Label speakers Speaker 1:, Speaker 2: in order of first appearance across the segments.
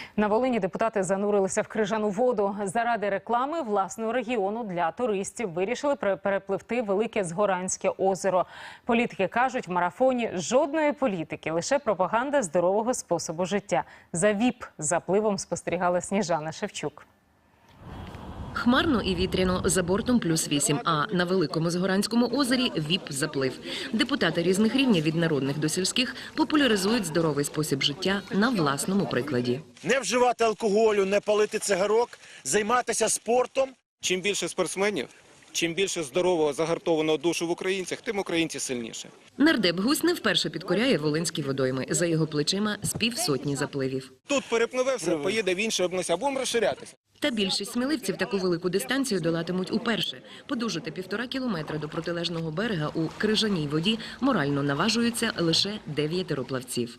Speaker 1: На Волині депутати занурилися в крижану воду. Заради реклами власного регіону для туристів вирішили перепливти Велике Згоранське озеро. Політики кажуть, в марафоні жодної політики, лише пропаганда здорового способу життя. За ВІП-запливом спостерігала Сніжана Шевчук.
Speaker 2: Хмарно і вітряно, за бортом +8, а на Великому Згоранському озері ВІП-заплив. Депутати різних рівнів від народних до сільських популяризують здоровий спосіб життя на власному прикладі.
Speaker 3: Не вживати алкоголю, не палити цигарок, займатися спортом.
Speaker 4: Чим більше спортсменів, чим більше здорового, загартованого душу в українцях, тим українці сильніше.
Speaker 2: Нардеп Гусь не вперше підкоряє волинські водойми. За його плечима з півсотні запливів.
Speaker 4: Тут перепливе все, поїде в інші області, а будемо розширятися.
Speaker 2: Та більшість сміливців таку велику дистанцію долатимуть уперше. Подужати 1,5 кілометра до протилежного берега у крижаній воді морально наважуються лише 9 плавців.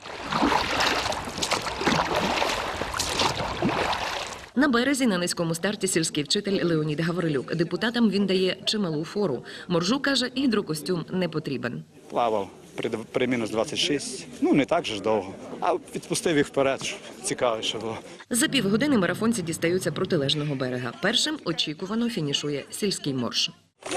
Speaker 2: На березі на низькому старті сільський вчитель Леонід Гаврилюк. Депутатам він дає чималу фору. Моржу, каже, гідрокостюм не потрібен.
Speaker 5: Плавав при мінус 26, не так же ж довго, а відпустив їх вперед, щоб цікавіше було.
Speaker 2: За півгодини марафонці дістаються протилежного берега. Першим очікувано фінішує сільський морж.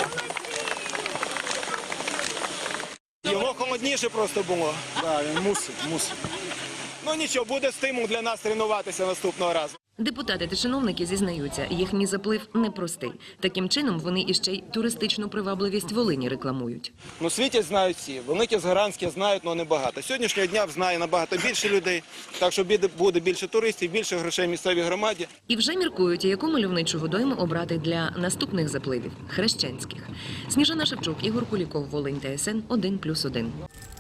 Speaker 4: Його холодніше просто було.
Speaker 3: Так, він мусив.
Speaker 4: Ну нічого, буде стимул для нас тренуватися наступного разу.
Speaker 2: Депутати та чиновники зізнаються, їхній заплив непростий. Таким чином вони іще й туристичну привабливість Волині рекламують.
Speaker 4: Ну, світі знають всі. Велике Згоранське знають, але небагато. Сьогоднішнього дня знає набагато більше людей, так що буде більше туристів, більше грошей місцевій громаді.
Speaker 2: І вже міркують, яку мальовничу водойму обрати для наступних запливів – хрещенських. Сніжана Шевчук, Ігор Куліков, Волинь, ТСН 1+1.